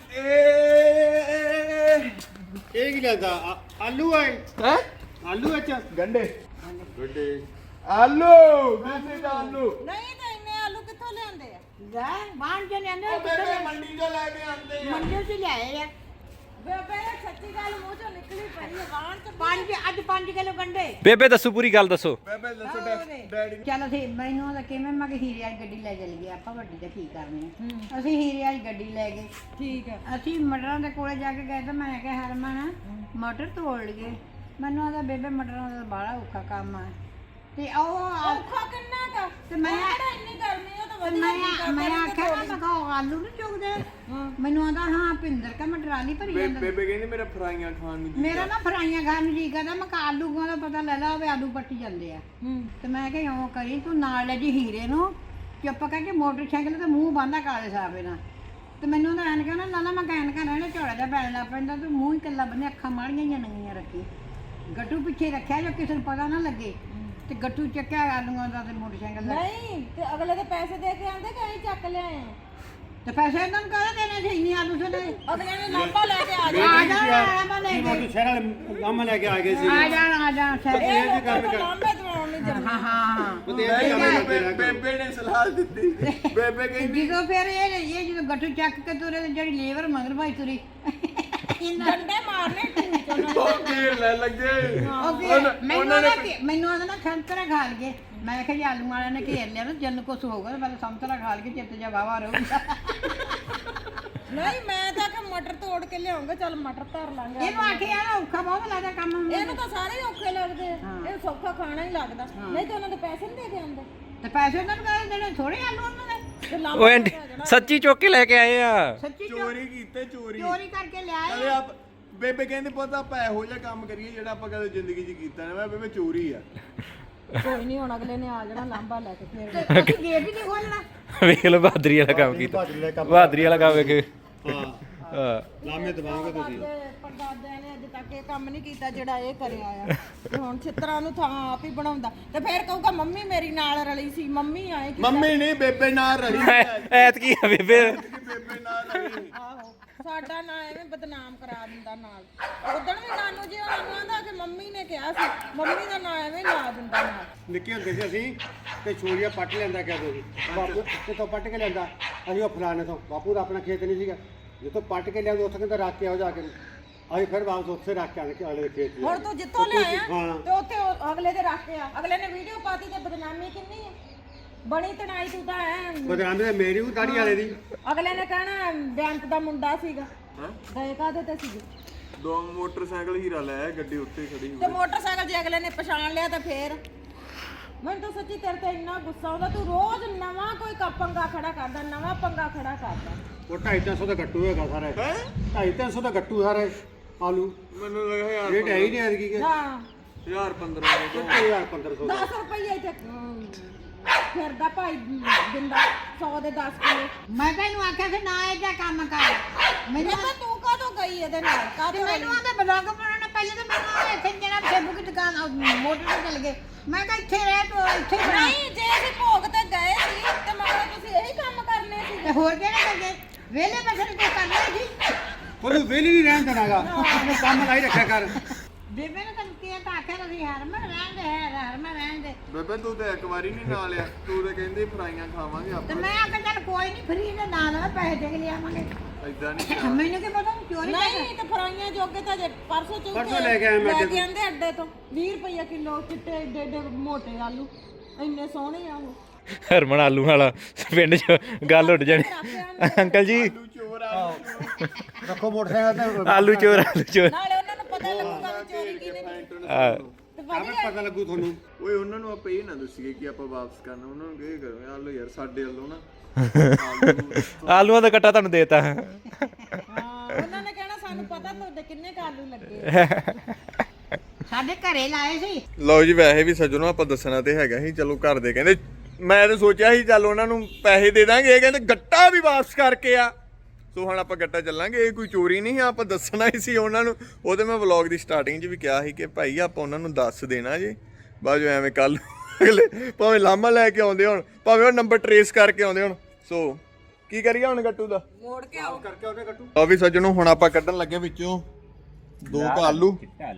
[SPEAKER 4] ਇਹ ਕੀ ਲੈਂਦਾ ਆਲੂ ਹੈ
[SPEAKER 1] ਹੈ
[SPEAKER 4] ਆਲੂ ਵਿੱਚ
[SPEAKER 1] ਗੰਡੇ ਆਲੂ ਦੇਸੀ ਆਲੂ
[SPEAKER 2] ਨਹੀਂ ਤਾਂ ਇੰਨੇ ਆਲੂ ਕਿੱਥੋਂ ਲਿਆਂਦੇ ਆ
[SPEAKER 3] ਲੈ ਬਾਣ ਜੇ ਲੈਂਦੇ
[SPEAKER 1] ਬੇਬੇ ਮੰਡੀ ਤੋਂ ਲੈ ਕੇ ਆਂਦੇ ਆ
[SPEAKER 3] ਮੰਡੀ 'ਚ ਲਿਆਏ ਆ
[SPEAKER 2] ਬੇਬੇ ਸੱਚੀ ਗੱਲ ਮੂੰਹ ਚੋਂ ਨਿਕਲੀ ਪਈ ਹੈ ਵਾਣ ਚ 5 ਕਿਲੋ ਗੰਡੇ
[SPEAKER 6] ਬੇਬੇ ਦੱਸੋ ਪੂਰੀ ਗੱਲ ਦੱਸੋ।
[SPEAKER 1] ਬੇਬੇ ਦੱਸੋ ਡੈਡੀ
[SPEAKER 3] ਚਲ ਅਸੀਂ ਮੈਨੂੰ ਉਹਦਾ ਕਿਵੇਂ ਮੈਂ ਕਿ ਹੀਰੇ ਵਾਲੀ ਗੱਡੀ ਲੈ ਚਲ ਗਏ ਆਪਾਂ ਵੱਡੀ ਤਾਂ ਕੀ ਕਰਨੀ ਆ। ਅਸੀਂ ਹੀਰੇ ਵਾਲੀ ਗੱਡੀ ਲੈ ਗਏ।
[SPEAKER 2] ਠੀਕ ਹੈ
[SPEAKER 3] ਅਸੀਂ ਮਟਰਾਂ ਦੇ ਕੋਲੇ ਜਾ ਕੇ ਗਏ ਤਾਂ ਮੈਂ ਕਿਹਾ ਹਰਮਨ ਮਟਰ ਤੋੜ ਲਈਏ। ਮੈਨੂੰ ਆਦਾ ਬੇਬੇ ਮਟਰਾਂ ਦਾ ਬੜਾ ਔਖਾ ਕੰਮ ਆ ਤੇ ਉਹ
[SPEAKER 2] ਔਖਾ ਕਿੰਨਾ ਕਾ
[SPEAKER 3] ਤੇ ਮੈਂ
[SPEAKER 2] ਇੰਨੀ ਗਰਮੀ ਉਹ ਤਾਂ
[SPEAKER 3] ਮੈਂ ਆਖਿਆ ਮੈਂ ਕਿਹਾ ਆਲੂ ਨਹੀਂ ਚੁਗਦੇ ਮੈਨੂੰ ਆਦਾ ਹਾਂ ਭਿੰਦਰ ਕਾ ਮੈਂ ਟਰਾਲੀ ਭਰੀ ਜਾਂਦਾ
[SPEAKER 1] ਬੇਬੇ ਕਹਿੰਦੀ ਮੇਰਾ ਫਰਾਈਆਂ ਖਾਣ ਨੂੰ
[SPEAKER 3] ਮੇਰਾ ਨਾ ਫਰਾਈਆਂ ਖਾਣ ਨੂੰ ਜੀ ਕਰਦਾ ਮੈਂ ਕਿਹਾ ਆਲੂਆਂ ਦਾ ਪਤਾ ਲੈ ਲਾ ਹੋਵੇ ਆਲੂ ਪੱਟੀ ਜਾਂਦੇ ਆ ਤੇ ਮੈਂ ਕਿਹਾ ਇਉਂ ਕਰੀ ਤੂੰ ਨਾਲ ਲੈ ਜੀ ਹੀਰੇ ਨੂੰ ਚੁੱਪ ਕਰਕੇ ਮੋਟਰਸਾਈਕਲ ਤੇ ਮੂੰਹ ਬੰਨ੍ਹਦਾ ਕਾਲੇ ਸਾਫੇ ਨਾਲ ਤੇ ਮੈਨੂੰ ਉਹਦਾ ਐਨ ਕਹਿੰਦਾ ਨਾ ਮੈਂ ਕਹਿਣ ਰਹਿਣਾ ਝੋਲਾ ਜਿਹਾ ਪੈਣ ਲੱਗ ਪੈਂਦਾ ਤੇ ਮੂੰਹ ਹੀ ਇਕੱਲਾ ਬੰਨੇ ਅੱਖਾਂ ਮਾੜੀਆਂ ਜਾਂ ਨੰਗੀਆਂ ਰੱਖੀ ਗੱਟੂ ਪਿੱਛੇ ਰੱਖਿਆ ਜੋ ਕਿਸੇ ਨੂੰ ਪਤਾ ਨਾ ਲੱਗੇ ਤੇ ਗੱਟੂ ਚੱਕਿਆ ਆਲੂਆਂ ਦਾ ਤੇ ਮੋਟਰਸਾਈਕਲ ਦਾ
[SPEAKER 2] ਨਹੀਂ ਤੇ ਅਗਲੇ ਦੇ ਪੈਸੇ ਦੇ ਕੇ ਆਂਦੇ ਕਿ ਅਸੀਂ ਚੱਕ ਲਿਆਏ ਆ
[SPEAKER 3] ਤੇ ਪੈਸੇ ਇਹਨਾਂ ਨੂੰ ਕਾਹਦੇ ਦੇਣੇ ਸੀ ਇੰਨੀ ਆਲੂ ਛੋਲੇ
[SPEAKER 2] ਅਗਲੇ ਨੇ ਲਾਂਬਾ ਲੈ ਕੇ ਆ
[SPEAKER 3] ਆ ਜਾਣਾ ਮੈਂ ਲੈ ਕੇ
[SPEAKER 4] ਸ਼ਹਿਰ ਵਾਲੇ ਕੰਮ ਲੈ ਕੇ ਆ ਗਏ ਸੀ
[SPEAKER 3] ਆ ਜਾਣਾ
[SPEAKER 2] ਇਹ ਲੋਕਾਂ ਨੂੰ ਲਾਂਬੇ ਦਵਾਉਣ ਨਹੀਂ ਜਰਨਾ
[SPEAKER 3] ਹਾਂ
[SPEAKER 1] ਬੇਬੇ ਨੇ ਸਲਾਹ ਦਿੱਤੀ ਬੇਬੇ ਕਹਿੰਦੀ
[SPEAKER 3] ਜਦੋਂ ਫਿਰ ਇਹ ਜਦੋਂ ਗੱਟੂ ਚੱਕ ਕੇ ਤੁਰੇ ਤੇ ਜਿਹੜੀ ਲੇਬਰ ਮਗਰ ਭਾਈ ਤੁਰੀ
[SPEAKER 2] ਡੰਡੇ ਮਾਰਨੇ ਢੂਚ ਉਹਨਾਂ ਨੂੰ
[SPEAKER 1] ਉਹ ਘੇਰ ਲੈ ਲੱਗੇ
[SPEAKER 3] ਮੈਨੂੰ ਉਹਦਾ ਨਾ ਸੰਤਰਾ ਖਾ ਲਈਏ ਮੈਂ ਕਿਹਾ ਜੀ ਆਲੂ ਵਾਲਿਆਂ ਨੇ ਘੇਰ ਲਿਆ ਨਾ ਜਨ ਕੁਛ ਹੋਊਗਾ ਤੇ ਪਹਿਲਾਂ ਸੰਤਰਾ ਖਾ ਲਈਏ ਚਿੱਤ ਜਾ ਵਾਵਾ ਰਹੂਗਾ
[SPEAKER 2] ਨਹੀਂ ਮੈਂ ਤਾਂ ਕਿ ਮਟਰ ਤੋੜ ਕੇ ਲਿਆਉਂਗਾ ਚੱਲ ਮਟਰ ਧਰ ਲਾਂਗੇ
[SPEAKER 3] ਇਹਨੂੰ ਆਖਿਆ ਨਾ ਔਖਾ ਬਹੁਤ ਲੱਗਦਾ ਕੰਮ
[SPEAKER 2] ਇਹਨੂੰ ਤਾਂ ਸਾਰੇ ਹੀ ਔਖੇ ਲੱਗਦੇ ਆ ਇਹ ਸੌਖਾ ਖਾਣਾ ਹੀ ਲੱਗਦਾ ਨਹੀਂ ਤਾਂ ਉਹਨਾਂ ਦੇ ਪੈਸੇ ਨਹੀਂ ਦੇ ਕੇ ਆਉਂਦੇ
[SPEAKER 3] ਤੇ ਪੈਸੇ ਉਹਨਾਂ ਨੂੰ ਕਹਿੰਦੇ ਦੇਣੇ ਥੋੜੇ ਆਲੂ ਉਹਨਾਂ ਦੇ
[SPEAKER 2] ਤੇ
[SPEAKER 6] ਓਏ ਆਂਟੀ ਸੱਚੀ ਚੁੱਕ ਕੇ ਲੈ ਕੇ ਆਏ ਆ।
[SPEAKER 3] ਸੱਚੀ
[SPEAKER 1] ਚੋਰੀ ਕੀਤੇ ਚੋਰੀ
[SPEAKER 3] ਕਰਕੇ ਲਿਆਏ
[SPEAKER 1] ਅਰੇ ਆਪ ਬੇਬੇ ਕਹਿੰਦੇ ਪਤਾ ਆਪਾਂ ਇਹੋ ਜਿਹਾ ਕੰਮ ਕਰੀਏ ਜਿਹੜਾ ਆਪਾਂ ਕਦੇ ਜ਼ਿੰਦਗੀ 'ਚ ਕੀਤਾ ਨਾ ਮੈਂ ਬੇਬੇ ਚੋਰੀ ਆ
[SPEAKER 2] ਕੋਈ ਨਹੀਂ ਹੁਣ ਅਗਲੇ ਨੇ ਆ ਜਾਣਾ ਲਾਂਬਾ ਲੈ ਕੇ ਫੇਰ
[SPEAKER 3] ਅਸੀਂ ਗੇਟ ਹੀ ਨਹੀਂ ਖੋਲਣਾ
[SPEAKER 6] ਵੇਖ ਲਓ ਬਹਾਦਰੀ ਵਾਲਾ ਕੰਮ ਕੀਤਾ ਬਹਾਦਰੀ ਵਾਲਾ ਕੰਮ ਵੇਖ
[SPEAKER 4] ਹਾਂ
[SPEAKER 6] ਹਾਂ
[SPEAKER 4] ਲਾਮੇ ਦਵਾਓਗੇ ਤੁਸੀਂ
[SPEAKER 2] ਪਰਦਾਦਿਆਂ ਨੇ ਅੱਜ ਤੱਕ ਇਹ ਕੰਮ ਨਹੀਂ ਕੀਤਾ ਜਿਹੜਾ ਇਹ ਕਰਿਆ ਆ ਤੇ ਹੁਣ ਛਿੱਤਰਾਂ ਨੂੰ ਥਾਂ ਆਪ ਹੀ ਬਣਾਉਂਦਾ ਤੇ ਫੇਰ ਕਹੂਗਾ ਮੰਮੀ ਮੇਰੀ ਨਾਲ ਰਲੀ ਸੀ ਮੰਮੀ ਆਏ ਕਿ
[SPEAKER 1] ਮੰਮੀ ਨਹੀਂ ਬੇਬੇ ਨਾਲ ਰਹੀ
[SPEAKER 6] ਐਤਕੀ ਆ ਬੇਬੇ
[SPEAKER 1] ਬੇਬੇ ਨਾਲ ਰਹੀ
[SPEAKER 2] ਆਹੋ ਸਾਡਾ ਨਾਂ ਐਵੇਂ ਬਦਨਾਮ ਕਰਾ ਦਿੰਦਾ ਨਾਲ ਉਦੋਂ ਵੀ ਨਾਨੂ ਜੀ ਉਹਨਾਂ ਨੂੰ ਆਂਦਾ ਕਿ ਮੰਮੀ ਨੇ ਕਿਹਾ ਸੀ ਮੰਮੀ ਦਾ ਨਾਂ ਐਵੇਂ ਲਾ ਦਿੰਦਾ ਨਾਲ
[SPEAKER 4] ਨਿੱਕੇ ਹੁੰਦੇ ਸੀ ਅਸੀਂ ਤੇ ਛੋਲੀਆਂ ਪੱਟ ਲੈਂਦਾ ਕਹਿੰਦੇ ਸੀ ਬਾਪੂ ਕਿਤੋਂ ਪੱਟ ਕੇ ਲੈਂਦਾ ਅਸੀਂ ਉਹ ਫਲਾਣੇ ਤੋਂ ਬਾਪੂ ਦਾ ਆਪਣਾ ਖੇਤ ਨਹੀਂ ਸੀਗਾ ਜਿੱਥੋਂ ਪੱਟ ਕੇ ਲਿਆਉਂਦੇ ਉੱਥੇ ਕਹਿੰਦਾ ਰੱਖ ਕੇ ਆਓ ਜਾ ਕੇ ਅਸੀਂ ਫਿਰ ਵਾਪਸ ਉੱਥੇ ਰੱਖ ਕੇ ਆਣ ਕੇ ਅਗਲੇ ਖੇਤ
[SPEAKER 2] ਹੁਣ ਤੂੰ ਜਿੱਥੋਂ ਲਿਆਇਆ
[SPEAKER 4] ਹਾਂ।
[SPEAKER 2] ਤੇ ਉੱਥੇ ਅਗਲੇ ਦੇ ਰੱਖ ਕੇ ਆ ਅਗਲੇ ਨੇ ਵੀਡੀਓ ਪਾਤੀ ਤੇ ਬਦਨਾਮੀ ਕਿੰਨੀ ਹੈ ਬਣੀ ਤਣਾਈ ਤੂੰ ਤਾਂ ਐ
[SPEAKER 4] ਬਦਨਾਮੀ ਮੇਰੀ ਵੀ ਦਾੜੀ ਵਾਲੇ ਦੀ
[SPEAKER 2] ਅਗਲੇ ਨੇ ਕਹਿਣਾ ਬੈਂਕ ਦਾ ਮੁੰਡਾ ਸੀਗਾ ਗਏ ਕਾਹਦੇ ਤੇ ਸੀਗੇ
[SPEAKER 1] ਦੋ ਮੋਟਰਸਾਈਕਲ ਹੀਰਾ ਲੈ ਗੱਡੀ ਉੱਤੇ ਖੜੀ
[SPEAKER 2] ਤੇ ਮੋਟਰਸਾਈਕਲ ਜੇ ਅਗਲੇ ਨੇ ਪਛਾਣ ਲਿਆ ਤਾਂ ਫੇਰ ਮੈਨੂੰ ਤਾਂ ਸੱਚੀ ਤੇਰੇ ਤੇ ਇੰਨਾ ਗੁੱਸਾ ਆਉਂਦਾ ਤੂੰ ਰੋਜ਼ ਨਵਾਂ ਕੋਈ ਪੰਗਾ ਖੜਾ ਕਰਦਾ ਨਵਾਂ ਪੰਗਾ ਖੜਾ ਕਰਦਾ
[SPEAKER 4] ਉਹ 250 ਦਾ ਗੱਟੂ ਹੈਗਾ ਸਾਰੇ 250 ਦਾ ਗੱਟੂ ਸਾਰੇ ਆਲੂ
[SPEAKER 1] ਮੈਨੂੰ ਲੱਗਾ ਯਾਰ
[SPEAKER 4] ਰੇਟ ਹੈ ਹੀ ਨਹੀਂ ਐਤਕੀ ਕਿ
[SPEAKER 2] ਹਾਂ
[SPEAKER 1] 1500
[SPEAKER 4] 1500
[SPEAKER 2] 10 ਰੁਪਏ ਇੱਥੇ ਫਿਰਦਾ ਭਾਈ ਦਿੰਦਾ 100 ਦੇ 10 ਕਿਲੋ
[SPEAKER 3] ਮੈਂ ਤੈਨੂੰ ਆਖਿਆ ਸੀ ਨਾ ਇਹ ਜਿਹਾ ਕੰਮ ਕਰ ਮੈਨੂੰ
[SPEAKER 2] ਮੈਂ ਤੂੰ ਕਾਹਤੋਂ ਗਈ ਇਹਦੇ ਨਾਲ
[SPEAKER 3] ਤੇ
[SPEAKER 2] ਕਾਹਤੋਂ
[SPEAKER 3] ਮੈਨੂੰ ਆਂਦੇ ਬਲੌਗ ਬਣਾਉਣਾ ਪਹਿਲੇ ਤਾਂ ਮੈਨੂੰ ਇੱਥੇ ਜਨਾਬ ਸੇਬੂ ਦੀ ਦੁਕਾਨ ਮੋਟਰ ਤੇ ਚਲ ਗਏ ਮੈਂ ਕਿਹਾ ਇੱਥੇ ਰਹਿ ਤੂੰ ਇੱਥੇ ਬਣਾ
[SPEAKER 2] ਨਹੀਂ ਜੇ ਅਸੀਂ ਭੋਗ ਤੇ ਗਏ ਸੀ ਤੇ ਮਗਰ ਤੁਸੀਂ ਇਹੀ ਕੰਮ ਕਰਨੇ ਸੀ
[SPEAKER 3] ਤੇ ਹੋਰ ਕਿਹੜੇ ਲੱਗੇ ਵੇਲੇ ਬਸਰ ਕੋ ਕਰਨਾ ਜੀ
[SPEAKER 4] ਉਹਨੂੰ ਵੇਲੀ ਨਹੀਂ ਰਹਿਣ ਦੇਣਾਗਾ ਉਹਨੂੰ ਕੰਮ ਲਾਈ ਰੱਖਿਆ ਕਰ
[SPEAKER 3] ਬੇਬੇ ਨੇ ਤੈਨੂੰ ਕਿਹਾ ਤਾਂ ਆਖਿਆ ਤੁਸੀਂ ਹਰਮਨ ਰਹਿਣ ਦੇ ਹਰਮਨ ਰਹਿਣ ਦੇ
[SPEAKER 1] ਬੇਬੇ ਤੂੰ ਤਾਂ ਇੱਕ ਵਾਰੀ ਨਹੀਂ ਨਾਲ ਆ ਤੂੰ ਤਾਂ ਕਹਿੰਦੀ ਫਰਾਈਆਂ ਖਾਵਾਂਗੇ
[SPEAKER 3] ਤੇ
[SPEAKER 1] ਆਪਾਂ
[SPEAKER 3] ਮੈਂ ਆਖਿਆ ਚੱਲ ਕੋਈ ਨਹੀਂ ਫਰੀ ਦੇ ਨਾਲ ਪੈਸੇ ਦੇ ਕੇ ਲਿਆਵਾਂਗੇ
[SPEAKER 1] ਏਦਾਂ ਨਹੀਂ
[SPEAKER 3] ਮੈਨੂੰ ਕੀ ਪਤਾ ਚੋਰੀ
[SPEAKER 2] ਨਹੀਂ ਤੇ ਫਰਾਈਆਂ ਜੋਗੇ ਤਾਂ ਜੇ ਪਰਸੋਂ
[SPEAKER 4] ਪਰਸੋਂ ਲੈ ਕੇ ਆਇਆ ਮੈਂ
[SPEAKER 2] ਲੈ ਕੇ ਆਂਦੇ ਅੱਡੇ ਤੋਂ 20 ਰੁਪਏ ਕਿਲੋ ਚਿੱਟੇ ਏਡੇ ਏਡੇ ਮੋਟੇ ਆਲੂ ਇੰਨੇ ਸੋਹਣੇ ਆ ਉਹ
[SPEAKER 6] ਹਰਮਨ ਆਲੂ ਵਾਲਾ ਪਿੰਡ 'ਚ ਗੱਲ ਉੱਡ ਜਾਣੀ ਅੰਕਲ ਜੀ
[SPEAKER 1] ਚੋਰ ਆ
[SPEAKER 4] ਰੱਖੋ ਮੋਟਰਸਾਈਕਲ ਤੇ
[SPEAKER 6] ਆਲੂ ਚੋਰ
[SPEAKER 2] ਨਾਲੇ ਉਹਨਾਂ ਨੂੰ ਪਤਾ ਲੱਗੂਗਾ ਵੀ ਚੋਰੀ ਕਿਹਨੇ ਕੀਤੀ ਤੇ
[SPEAKER 4] ਆਪੇ ਪਤਾ ਲੱਗੂ ਤੁਹਾਨੂੰ
[SPEAKER 1] ਓਏ ਉਹਨਾਂ ਨੂੰ ਆਪਾਂ ਇਹ ਨਾ ਦੱਸੀਏ ਕਿ ਆਪਾਂ ਵਾਪਸ ਕਰਨਾ ਉਹਨਾਂ ਨੂੰ ਕੀ ਕਰੋ ਆਲੋ ਯਾਰ ਸਾਡੇ ਵੱਲੋਂ ਨਾ
[SPEAKER 6] ਆਲੂਆਂ ਦਾ ਕੱਟਾ ਤੁਹਾਨੂੰ ਦੇਤਾ
[SPEAKER 2] ਹਾਂ ਉਹਨਾਂ ਨੇ ਕਹਿਣਾ ਸਾਨੂੰ ਪਤਾ ਤੁਹਾਡੇ ਕਿੰਨੇ ਕੁ ਆਲੂ ਲੱਗੇ
[SPEAKER 3] ਸਾਡੇ ਘਰੇ ਲਾਏ ਸੀ
[SPEAKER 1] ਲਓ ਜੀ ਵੈਸੇ ਵੀ ਸੱਜਣੋ ਆਪਾਂ ਦੱਸਣਾ ਤੇ ਹੈਗਾ ਸੀ ਚਲੋ ਘਰ ਦੇ ਕਹਿੰਦੇ ਮੈਂ ਤਾਂ ਸੋਚਿਆ ਸੀ ਚੱਲ ਉਹਨਾਂ ਨੂੰ ਪੈਸੇ ਦੇ ਦਾਂਗੇ ਇਹ ਕਹਿੰਦੇ ਗੱਟਾ ਵੀ ਵਾਪਸ ਕਰਕੇ ਆ ਸੋ ਹੁਣ ਆਪਾਂ ਗੱਟਾ ਚੱਲਾਂਗੇ ਇਹ ਕੋਈ ਚੋਰੀ ਨਹੀਂ ਆ ਆਪਾਂ ਦੱਸਣਾ ਹੀ ਸੀ ਉਹਨਾਂ ਨੂੰ ਉਹ ਤੇ ਮੈਂ ਵਲੌਗ ਦੀ ਸਟਾਰਟਿੰਗ 'ਚ ਵੀ ਕਿਹਾ ਸੀ ਕਿ ਭਾਈ ਆਪਾਂ ਉਹਨਾਂ ਨੂੰ ਦੱਸ ਦੇਣਾ ਜੀ ਬਾਅਦ ਜੋ ਐਵੇਂ ਕੱਲ ਅਗਲੇ ਭਾਵੇਂ ਲਾਮਾ ਲੈ ਕੇ ਆਉਂਦੇ ਹੁਣ ਭਾਵੇਂ ਉਹ ਨੰਬਰ ਟਰੇਸ ਕਰਕੇ ਆਉਂਦੇ ਹੁਣ ਸੋ ਕੀ ਕਰੀਏ ਹੁਣ ਗੱਟੂ ਦਾ
[SPEAKER 2] ਮੋੜ ਕੇ ਆਓ
[SPEAKER 4] ਕਰਕੇ ਉਹਨੇ ਗੱਟੂ
[SPEAKER 1] ਆ ਵੀ ਸੱਜਣੋ ਹੁਣ ਆਪਾਂ ਕੱਢਣ ਲੱਗੇ ਵਿੱਚੋਂ 2 ਆਲੂ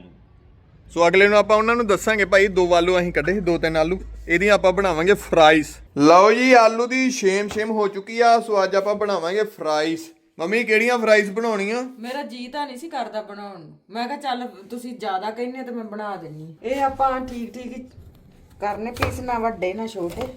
[SPEAKER 1] ਸੋ ਅਗਲੇ ਨੂੰ ਆਪਾਂ ਉਹਨਾਂ ਨੂੰ ਦੱਸਾਂਗੇ ਭਾਈ 2 ਆਲੂ ਅਸੀਂ ਕੱਢੇ ਸੀ 2-3 ਆਲੂ ਇਹਦੀਆਂ ਆਪਾਂ ਬਣਾਵਾਂਗੇ ਫਰਾਈਜ਼ ਲਓ ਜੀ ਆਲੂ ਦੀ ਸ਼ੇਮ ਹੋ ਚੁੱਕੀ ਆ ਸੋ ਅੱਜ ਆਪਾਂ ਬਣਾਵਾਂਗੇ ਫਰਾਈਜ਼ ਮੰਮੀ ਕਿਹੜੀਆਂ ਫਰਾਈਜ਼ ਬਣਾਉਣੀਆਂ?
[SPEAKER 2] ਮੇਰਾ ਜੀ ਤਾਂ ਨਹੀਂ ਸੀ ਕਰਦਾ ਬਣਾਉਣ ਨੂੰ। ਮੈਂ ਕਿਹਾ ਚੱਲ ਤੁਸੀਂ ਜ਼ਿਆਦਾ ਕਹਿੰਦੇ ਤੇ ਮੈਂ ਬਣਾ ਦਿੰਨੀ। ਇਹ ਆਪਾਂ ਠੀਕ ਠੀਕ ਹੀ ਕਰਨੇ ਪੀਸ, ਨਾ ਵੱਡੇ ਨਾ ਛੋਟੇ।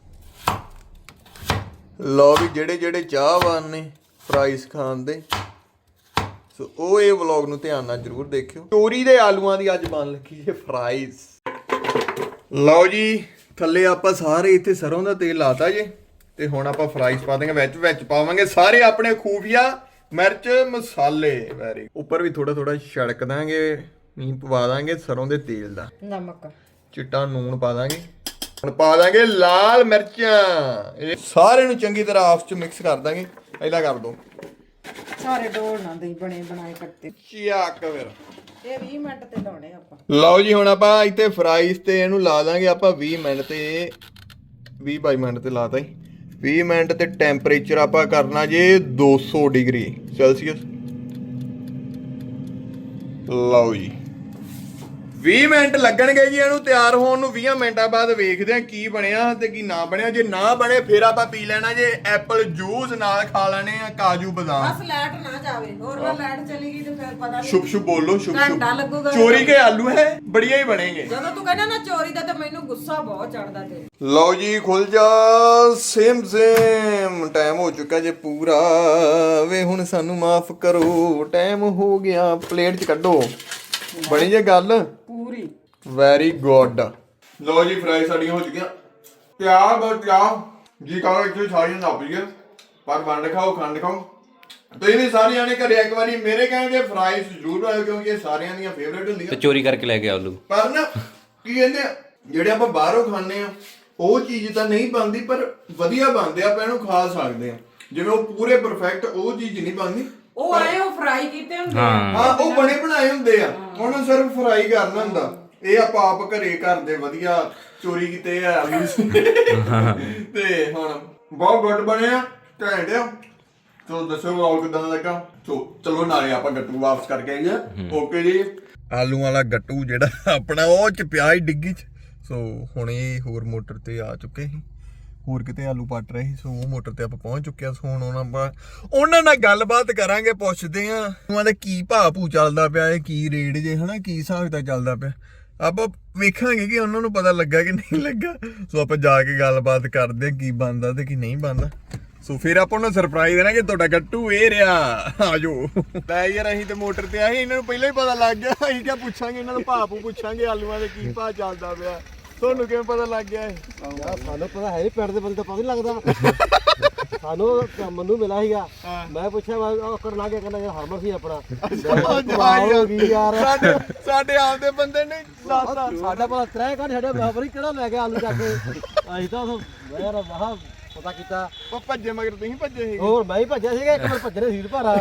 [SPEAKER 1] ਲਓ ਵੀ ਜਿਹੜੇ ਜਿਹੜੇ ਚਾਹਵਾਨ ਨੇ ਫਰਾਈਜ਼ ਖਾਣ ਦੇ, ਸੋ ਉਹ ਇਹ ਵਲੌਗ ਨੂੰ ਧਿਆਨ ਨਾਲ ਜ਼ਰੂਰ ਦੇਖਿਓ। ਚੋਰੀ ਦੇ ਆਲੂਆਂ ਦੀ ਅੱਜ ਬਣ ਲੱਗੀ ਜੇ ਫਰਾਈਜ਼। ਲਓ ਜੀ, ਥੱਲੇ ਆਪਾਂ ਸਾਰੇ ਇੱਥੇ ਸਰੋਂ ਦਾ ਤੇਲ ਲਾਤਾ ਜੇ, ਤੇ ਹੁਣ ਆਪਾਂ ਫਰਾਈਜ਼ ਪਾ ਦਾਂਗੇ। ਵਿੱਚ ਪਾਵਾਂਗੇ ਸਾਰੇ ਆਪਣੇ ਖੂਫੀਆ ਮਿਰਚ ਮਸਾਲੇ। ਵੈਰੀ ਉੱਪਰ ਵੀ ਥੋੜਾ ਥੋੜਾ ਛੜਕ ਦਾਂਗੇ, ਨਹੀਂ ਪਵਾ ਦਾਂਗੇ ਸਰੋਂ ਦੇ ਤੇਲ ਦਾ।
[SPEAKER 2] ਨਮਕ,
[SPEAKER 1] ਚਿੱਟਾ ਨੂਣ ਪਾ ਦਾਂਗੇ। ਹੁਣ ਪਾ ਦਾਂਗੇ ਲਾਲ ਮਿਰਚਾਂ। ਇਹ ਸਾਰੇ ਨੂੰ ਚੰਗੀ ਤਰ੍ਹਾਂ ਆਪਸ ਚ ਮਿਕਸ ਕਰ ਦਾਂਗੇ। ਇਹਦਾ ਕਰ ਦੋ
[SPEAKER 2] ਸਾਰੇ ਡੋਲ ਨਾ ਦੇ ਬਣੇ ਬਣਾਏ ਕੱਟੇ।
[SPEAKER 1] ਚੱਕ ਫਿਰ
[SPEAKER 2] ਇਹ 20 ਮਿੰਟ ਤੇ ਲਾਉਣੇ ਆਪਾਂ।
[SPEAKER 1] ਲਓ ਜੀ, ਹੁਣ ਆਪਾਂ ਇੱਥੇ ਫਰਾਈਜ਼ ਤੇ ਇਹਨੂੰ ਲਾ ਦਾਂਗੇ ਆਪਾਂ 20 ਮਿੰਟ ਤੇ 22 ਮਿੰਟ ਤੇ ਲਾਤਾ ਜੀ। 20 ਮਿੰਟ ਤੇ ਟੈਂਪਰੇਚਰ ਆਪਾਂ ਕਰਨਾ ਜੇ 200 ਡਿਗਰੀ ਸੈਲਸੀਅਸ। ਲਓ ਜੀ, 20 ਮਿੰਟ ਲੱਗਣਗੇ ਜੀ ਇਹਨੂੰ ਤਿਆਰ ਹੋਣ ਨੂੰ। 20 ਮਿੰਟਾਂ ਬਾਅਦ ਵੇਖਦੇ ਆ ਕੀ ਬਣਿਆ ਤੇ ਕੀ ਨਾ ਬਣਿਆ। ਜੇ ਨਾ ਬਣੇ ਫਿਰ ਆਪਾਂ ਪੀ ਲੈਣਾ ਜੇ ਐਪਲ ਜੂਸ, ਨਾਲ ਖਾ ਲੈਣੇ ਆ ਕਾਜੂ ਬਦਾਮ।
[SPEAKER 2] ਬਸ ਲਾਈਟ ਨਾ ਜਾਵੇ, ਹੋਰ ਨਾ ਲਾਈਟ ਚਲੀ ਗਈ ਤੇ ਫਿਰ ਪਤਾ ਨਹੀਂ।
[SPEAKER 1] ਸ਼ੁਭ ਸ਼ੁਭ ਬੋਲੋ, ਸ਼ੁਭ ਸ਼ੁਭ।
[SPEAKER 2] ਘੰਟਾ ਲੱਗੂਗਾ।
[SPEAKER 1] ਚੋਰੀ ਕੇ ਆਲੂ ਹੈ, ਬੜੀਆਂ ਹੀ ਬਣेंगे।
[SPEAKER 2] ਜਦੋਂ ਤੂੰ ਕਹਿੰਦਾ ਨਾ ਚੋਰੀ ਦਾ, ਤੇ ਮੈਨੂੰ ਗੁੱਸਾ ਬਹੁਤ ਚੜਦਾ ਤੇ।
[SPEAKER 1] ਲਓ ਜੀ, ਖੁੱਲ ਜਾ। ਸੇਮ ਟਾਈਮ ਹੋ ਚੁੱਕਾ ਜੇ ਪੂਰਾ। ਵੇ ਹੁਣ ਸਾਨੂੰ ਮਾਫ ਕਰੋ, ਟਾਈਮ ਹੋ ਗਿਆ। ਪਲੇਟ 'ਚ ਕੱਢੋ। ਬਣੀ ਜੇ ਗੱਲ
[SPEAKER 2] ਪੂਰੀ।
[SPEAKER 1] Very good. ਲਓ ਜੀ, ਫਰਾਈ ਸਾਡੀਆਂ ਹੋ ਚੁੱਕੀਆਂ ਤਿਆਰ। ਬਸ ਤਿਆਰ ਜੀ ਕਰੋ ਇੱਥੇ ਸਾਰੀਆਂ ਲੱਭ ਗਈਆਂ। ਪਰ ਵੰਡ ਖਾਓ, ਖੰਡ ਖਾਓ। ਤੁਸੀਂ ਵੀ ਸਾਰਿਆਂ ਨੇ ਘਰੇ ਇੱਕ ਵਾਰੀ ਮੇਰੇ ਕਹਿੰਦੇ ਫਰਾਈਜ਼ ਜ਼ਰੂਰ ਬਣਾਓ, ਕਿਉਂਕਿ ਇਹ ਸਾਰਿਆਂ ਦੀਆਂ ਫੇਵਰੇਟ
[SPEAKER 6] ਤੇ
[SPEAKER 1] ਹੁੰਦੀਆਂ।
[SPEAKER 6] ਚੋਰੀ ਕਰਕੇ ਲੈ ਕੇ ਆਲੂ।
[SPEAKER 1] ਪਰ ਨਾ ਕੀ ਕਹਿੰਦੇ ਆ, ਜਿਹੜੇ ਆਪਾਂ ਬਾਹਰੋਂ ਖਾਂਦੇ ਆ ਉਹ ਚੀਜ਼ ਤਾਂ ਨਹੀਂ ਬਣਦੀ, ਪਰ ਵਧੀਆ ਬਣਦੇ ਆ, ਆਪਾਂ ਇਹਨੂੰ ਖਾ ਸਕਦੇ ਆ। ਜਿਵੇਂ ਉਹ ਪੂਰੇ ਪਰਫੈਕਟ ਉਹ ਚੀਜ਼ ਨਹੀਂ ਬਣਦੀ।
[SPEAKER 2] ਉਹ ਆਏ ਉਹ ਫਰਾਈ ਕੀਤੇ ਹੁੰਦੇ ਆ।
[SPEAKER 1] ਹਾਂ, ਉਹ ਬਣੇ ਬਣਾਏ ਹੁੰਦੇ ਆ, ਉਹਨਾਂ ਸਿਰਫ ਫਰਾਈ ਕਰਨਾ ਹੁੰਦਾ। ਇਹ ਆਪਾਂ ਆਪ ਘਰੇ ਕਰਦੇ ਵਧੀਆ ਚੋਰੀ ਕੀਤੇ ਆ ਤੇ ਹੁਣ ਬਹੁਤ ਗੁੱਡ ਬਣਿਆ, ਘੈਂਟ ਆ। ਸੋ ਦੱਸੋ ਵਲੌਗ ਕਿਦਾਂ ਲੱਗਾ। ਸੋ ਚਲੋ ਨਾਲੇ ਆਪਾਂ ਗੱਟੂ ਵਾਪਸ ਕਰਕੇ ਆਈਏ। ਓਕੇ ਜੀ, ਆਲੂ ਵਾਲਾ ਗੱਟੂ ਜਿਹੜਾ ਆਪਣਾ ਉਹ ਚ ਪਿਆ ਹੀ ਡਿੱਗੀ ਚ। ਸੋ ਹੁਣ ਇਹ ਹੋਰ ਮੋਟਰ ਤੇ ਆ ਚੁੱਕੇ ਸੀ, ਹੋਰ ਕਿਤੇ ਆਲੂ ਪੱਟ ਰਹੇ ਸੀ। ਸੋ ਉਹ ਮੋਟਰ ਤੇ ਆਪਾਂ ਪਹੁੰਚ ਚੁੱਕੇ ਆ। ਸੋ ਹੁਣ ਉਹਨਾਂ ਨਾਲ ਗੱਲਬਾਤ ਕਰਾਂਗੇ, ਪੁੱਛਦੇ ਆ ਉਹਨਾਂ ਦਾ ਕੀ ਭਾਅ ਭੂ ਚੱਲਦਾ ਪਿਆ, ਇਹ ਕੀ ਰੇਟ ਜੇ ਹਨਾ, ਕੀ ਹਿਸਾਬ ਦਾ ਚੱਲਦਾ ਪਿਆ। ਆਪਾਂ ਵੇਖਾਂਗੇ ਕਿ ਉਹਨਾਂ ਨੂੰ ਪਤਾ ਲੱਗਾ ਕਿ ਨਹੀਂ ਲੱਗਾ। ਸੋ ਆਪਾਂ ਜਾ ਕੇ ਗੱਲਬਾਤ ਕਰਦੇ ਆ ਕੀ ਬਣਦਾ ਤੇ ਕੀ ਨਹੀਂ ਬਣਦਾ। ਸੋ ਫਿਰ ਆਪਾਂ ਨੂੰ ਸਰਪ੍ਰਾਈਜ਼ ਦੇਣਾ ਕਿ ਤੁਹਾਡਾ ਗੱਟੂ ਇਹ ਰਿਹਾ। ਆਜੋ ਲੈ ਯਾਰ, ਅਸੀਂ ਤੇ ਮੋਟਰ ਤੇ ਆਏ, ਇਹਨਾਂ ਨੂੰ ਪਹਿਲਾਂ ਹੀ ਪਤਾ ਲੱਗ ਗਿਆ। ਅਸੀਂ ਕਿਆ ਪੁੱਛਾਂਗੇ ਇਹਨਾਂ ਨੂੰ, ਭਾਅ ਭੂ ਪੁੱਛਾਂਗੇ ਆਲੂਆਂ ਦੇ ਕੀ ਭਾਅ ਚੱਲਦਾ ਪਿਆ। ਤੁਹਾਨੂੰ ਕਿਵੇਂ ਪਤਾ ਲੱਗ ਗਿਆ ਇਹ?
[SPEAKER 4] ਸਾਨੂੰ ਪਤਾ ਹੈ ਨਹੀਂ, ਪਿੰਡ ਦੇ ਬੰਦੇ ਤਾਂ ਪਤਾ ਨਹੀਂ ਲੱਗਦਾ। ਸਾਨੂੰ ਮੈਨੂੰ ਮਿਲਿਆ ਸੀਗਾ, ਮੈਂ ਪੁੱਛਿਆ ਉਹ ਕਰਨਾ ਕੀ ਕਹਿੰਦਾ ਯਾਰ ਹਰਮਨ ਸੀ ਆਪਣਾ। ਹੋ ਗਈ ਯਾਰ,
[SPEAKER 1] ਸਾਡੇ ਆਪਦੇ ਬੰਦੇ ਨੇ
[SPEAKER 4] ਸਾਡਾ ਪਤਾ ਤਰੇ ਕਾਢ ਛੱਡਿਆ। ਮੈਂ ਪਤਾ ਕਿਹੜਾ ਲੈ ਗਿਆ ਆਲੂ ਚੱਕ ਕੇ। ਅਸੀਂ ਤਾਂ ਯਾਰ ਵਾਹ ਪਤਾ ਕੀਤਾ।
[SPEAKER 1] ਉਹ ਭੱਜੇ ਮਗਰ ਤੁਸੀਂ ਭੱਜੇ ਸੀ?
[SPEAKER 4] ਹੋਰ ਮੈਂ ਹੀ ਭੱਜਿਆ ਸੀਗਾ, ਇੱਕ ਵਾਰ ਭੱਜਣੇ ਸੀਟ ਭਾਰਾ।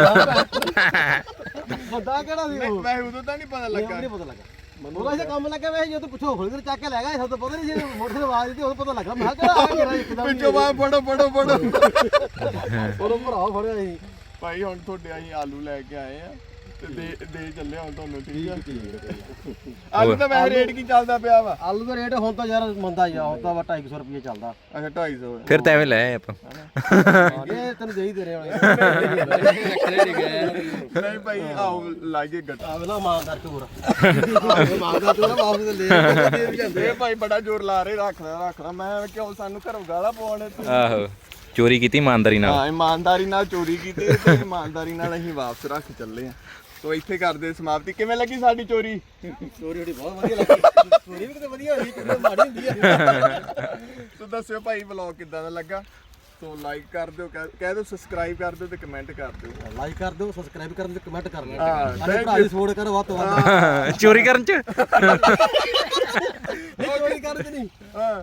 [SPEAKER 4] ਵੱਡਾ ਕਿਹੜਾ ਸੀ ਉਹ?
[SPEAKER 1] ਮੈਂ ਉਦੋਂ ਤਾਂ ਨਹੀਂ ਪਤਾ ਲੱਗਾ।
[SPEAKER 4] ਨਹੀਂ ਪਤਾ ਲੱਗਾ ਮੈਨੂੰ, ਤਾਂ ਕੰਮ ਲੱਗਾ ਵੈਸੇ। ਜਦੋਂ ਪਿੱਛੋਂ ਫੁਲਗਰ ਚੱਕ ਕੇ ਲੈ ਗਿਆ, ਸਭ ਤੋਂ ਪਤਾ ਨਹੀਂ ਸੀ। ਮੋਟਰ ਆਵਾਜ਼ ਦਿੱਤੀ, ਉਦੋਂ ਪਤਾ ਲੱਗਾ। ਮੈਂ ਕਿਹਾ ਆ ਗਿਆ ਇੱਕਦਮ
[SPEAKER 1] ਪਿੱਛੋਂ ਬਾਹਰ ਫੜੋ
[SPEAKER 4] ਉਦੋਂ ਭਰਾ ਫੜਿਆ ਸੀ।
[SPEAKER 1] ਭਾਈ ਹੁਣ ਤੁਹਾਡੇ ਅਸੀਂ ਆਲੂ ਲੈ ਕੇ ਆਏ ਆ ਤੇ ਦੇ ਚੱਲੇ ਹੁਣ ਤੁਹਾਨੂੰ। ਠੀਕ ਆ, ਆਲੂ ਦਾ ਵੈਸੇ ਰੇਟ ਕੀ ਚੱਲਦਾ ਪਿਆ ਵਾ?
[SPEAKER 4] ਆਲੂ ਦਾ ਰੇਟ ਹੁਣ ਤਾਂ ਯਾਰ ਮੰਦਾ ਹੀ ਆ, ਹੁਣ ਤਾਂ 250 ਰੁਪਏ ਚੱਲਦਾ।
[SPEAKER 1] ਅੱਛਾ 250
[SPEAKER 6] ਫਿਰ ਤਾਂ ਐਵੇਂ ਲੈ ਆਏ ਆਪਾਂ।
[SPEAKER 4] ਇਹ ਤੈਨੂੰ ਦੇ ਹੀ ਦੇ ਰਹੇ ਹੋਣੇ।
[SPEAKER 1] ਨਹੀਂ ਭਾਈ, ਆਓ ਲਾਗੇ ਗੱਟ।
[SPEAKER 4] ਆਵੇ ਨਾ ਇਮਾਨਦਾਰ ਚੋਰ, ਇਮਾਨਦਾਰ ਚੋਰ ਵਾਪਸ ਲੈ ਵੀ ਜਾਂਦੇ।
[SPEAKER 1] ਇਹ ਭਾਈ ਬੜਾ ਜ਼ੋਰ ਲਾ ਰਹੇ, ਰੱਖ ਲੈ। ਮੈਂ ਕਿਉਂ ਸਾਨੂੰ ਘਰੋਂ ਗਾਲਾਂ ਪਾਉਣੇ?
[SPEAKER 6] ਆਹੋ, ਚੋਰੀ ਕੀਤੀ ਇਮਾਨਦਾਰੀ ਨਾਲ।
[SPEAKER 1] ਹਾਂ, ਇਮਾਨਦਾਰੀ ਨਾਲ ਚੋਰੀ ਕੀਤੀ ਤੇ ਇਮਾਨਦਾਰੀ ਨਾਲ ਅਸੀਂ ਵਾਪਸ ਰੱਖ ਚੱਲੇ ਆ। ਸੋ ਇੱਥੇ ਕਰਦੇ ਸਮਾਪਤੀ। ਕਿਵੇਂ ਲੱਗੀ ਸਾਡੀ ਚੋਰੀ?
[SPEAKER 4] ਚੋਰੀ ਬਹੁਤ ਵਧੀਆ ਲੱਗੀ। ਚੋਰੀ ਵੀ ਕਿਤੇ ਵਧੀਆ ਹੋਈ, ਕਿਤੇ ਮਾੜੀ ਹੁੰਦੀ ਆ।
[SPEAKER 1] ਸੋ ਦੱਸਿਓ ਭਾਈ ਵਲੌਗ ਕਿੱਦਾਂ ਦਾ ਲੱਗਾ। ਸੋ ਲਾਈਕ ਕਰ ਦਿਓ, ਕਹਿ ਦਿਓ ਸਬਸਕ੍ਰਾਈਬ ਕਰ ਦਿਓ ਤੇ ਕਮੈਂਟ ਕਰ ਦਿਓ।
[SPEAKER 4] ਲਾਈਕ ਕਰ ਦਿਓ, ਸਬਸਕ੍ਰਾਈਬ ਕਰ ਦਿਓ, ਕਮੈਂਟ ਕਰ ਲਿਓ।
[SPEAKER 1] ਹਾਂ,
[SPEAKER 4] ਸਾਡੇ ਭਰਾ ਦੀ ਸਪੋਰਟ ਕਰੋ ਵੱਧ ਤੋਂ ਵੱਧ।
[SPEAKER 6] ਚੋਰੀ ਕਰਨ ਚ
[SPEAKER 4] ਚੋਰੀ ਕਰਨ ਚ ਨਹੀਂ।